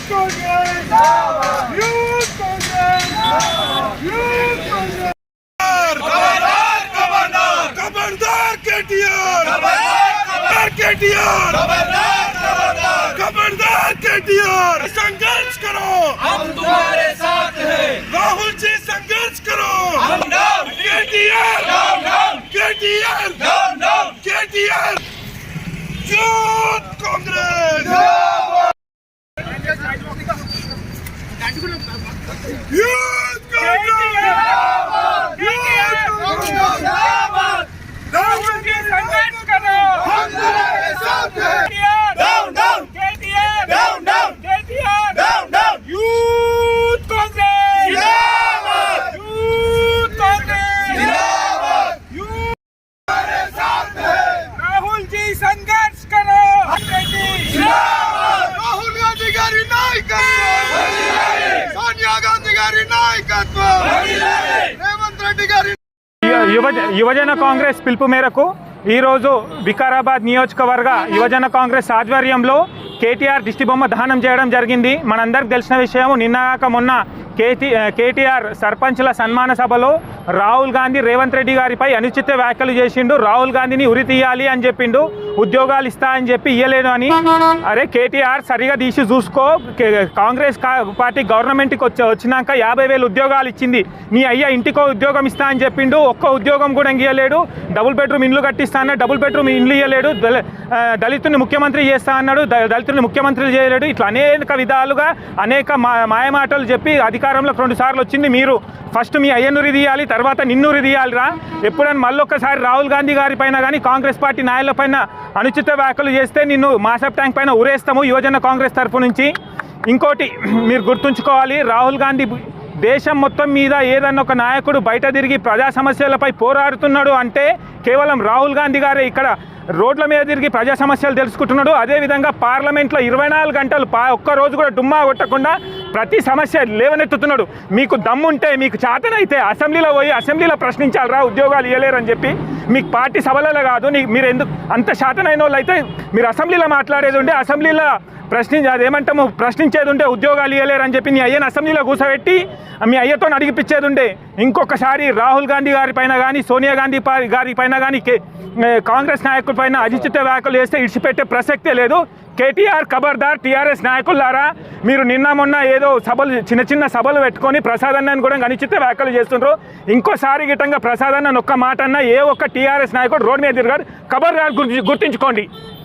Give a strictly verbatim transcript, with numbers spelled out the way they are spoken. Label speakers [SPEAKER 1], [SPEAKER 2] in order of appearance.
[SPEAKER 1] Congress! Youth Congress! Youth Congress! Kabardar! Kabardar! Kabardar K T R! Kabardar K T R! Kabardar! Kabardar! Kabardar K T R! संघर्ष करो, हम तुम्हारे साथ हैं। राहुल जी संघर्ष करो, हम down. KTR down down, KTR down down, KTR. Youth Congress जिंदाबाद, यूथ कांग्रेस जिंदाबाद, यूथ कांग्रेस जिंदाबाद। राहुल जी संघर्ष करो, हम तुम्हारे साथ हैं। Down down, KTR down down, KTR down down. Youth Congress जिंदाबाद, यूथ कांग्रेस जिंदाबाद, यूथ हमारे साथ है। राहुल जी संघर्ष करो, जिंदाबाद। राहुल गांधी गारी नायकत्व, सोनिया गांधी गारी नायकत्व, రేవంత్ రెడ్డి గారి
[SPEAKER 2] యువజ యువజన కాంగ్రెస్ పిలుపు మేరకు ఈరోజు వికారాబాద్ నియోజకవర్గ యువజన కాంగ్రెస్ ఆధ్వర్యంలో కేటీఆర్ దిష్టి బొమ్మ దహనం చేయడం జరిగింది. మనందరికి తెలిసిన విషయం, నిన్నగాక మొన్న కేటీ కేటీఆర్ సర్పంచ్ల సన్మాన సభలో రాహుల్ గాంధీ రేవంత్ రెడ్డి గారిపై అనుచిత వ్యాఖ్యలు చేసిండు. రాహుల్ గాంధీని ఉరి తీయాలి అని చెప్పిండు, ఉద్యోగాలు ఇస్తా అని చెప్పి ఇయ్యలేడు అని. అరే కేటీఆర్ సరిగా తీసి చూసుకో, కాంగ్రెస్ పార్టీ గవర్నమెంట్కి వచ్చి వచ్చినాక యాభై వేలు ఉద్యోగాలు ఇచ్చింది, నీ అయ్యా ఇంటికో ఉద్యోగం ఇస్తా అని చెప్పిండు, ఒక్క ఉద్యోగం కూడా ఇయ్యలేడు. డబుల్ బెడ్రూమ్ ఇండ్లు కట్టిస్తా అన్నాడు, డబుల్ బెడ్రూమ్ ఇండ్లు ఇయ్యలేడు. దళితుని ముఖ్యమంత్రి చేస్తా అన్నాడు, దళితుని ముఖ్యమంత్రి చేయలేడు. ఇట్లా అనేక విధాలుగా అనేక మా మాయమాటలు చెప్పి అధికారంలోకి రెండు సార్లు వచ్చింది మీరు. ఫస్ట్ మీ అయ్యనురి తీయాలి, తర్వాత నిన్నురి తీయాలిరా. ఎప్పుడైనా మళ్ళొక్కసారి రాహుల్ గాంధీ గారి పైన కానీ కాంగ్రెస్ పార్టీ నాయకుల పైన అనుచిత వ్యాఖ్యలు చేస్తే నిన్ను మాసప్ ట్యాంక్ పైన ఉరేస్తాము యువజన కాంగ్రెస్ తరఫు నుంచి. ఇంకోటి మీరు గుర్తుంచుకోవాలి, రాహుల్ గాంధీ దేశం మొత్తం మీద ఏదన్నా ఒక నాయకుడు బయట తిరిగి ప్రజా సమస్యలపై పోరాడుతున్నాడు అంటే కేవలం రాహుల్ గాంధీ గారే ఇక్కడ రోడ్ల మీద తిరిగి ప్రజా సమస్యలు తెలుసుకుంటున్నాడు. అదేవిధంగా పార్లమెంట్లో ఇరవై నాలుగు గంటలు పా ఒక్కరోజు కూడా డుమ్మా కొట్టకుండా ప్రతి సమస్య లేవనెత్తుతున్నాడు. మీకు దమ్ముంటే, మీకు చేతనైతే అసెంబ్లీలో పోయి అసెంబ్లీలో ప్రశ్నించాలరా, ఉద్యోగాలు ఇవ్వలేరని చెప్పి. మీకు పార్టీ సభలలో కాదు, మీరు ఎందుకు అంత శాతనైన వాళ్ళు అయితే మీరు అసెంబ్లీలో మాట్లాడేది ఉంటే అసెంబ్లీలో ప్రశ్నించి అదేమంటాము ప్రశ్నించేది ఉంటే ఉద్యోగాలు ఇవ్వలేరని చెప్పి నీ అయ్యను అసెంబ్లీలో కూర్చోబెట్టి మీ అయ్యతో అడిగిపించేది ఉండే. ఇంకొకసారి రాహుల్ గాంధీ గారి పైన కానీ సోనియా గాంధీ గారి పైన కానీ కాంగ్రెస్ నాయకుల పైన అనుచిత వ్యాఖ్యలు చేస్తే ఇడిచిపెట్టే ప్రసక్తే లేదు. కేటీఆర్ ఖబర్దార్, టీఆర్ఎస్ నాయకులారా, మీరు నిన్న మొన్న ఏదో సభలు చిన్న చిన్న సభలు పెట్టుకొని ప్రసాదన్నని కూడా అనుచిత వ్యాఖ్యలు చేస్తుండ్రు. ఇంకోసారి గిట్టంగా ప్రసాదన్న ఒక్క మాట అన్న ఏ ఒక్క టీఆర్ఎస్ నాయకుడు రోడ్ మీద తిరగారు. ఖబర్దార్ గుర్తించుకోండి.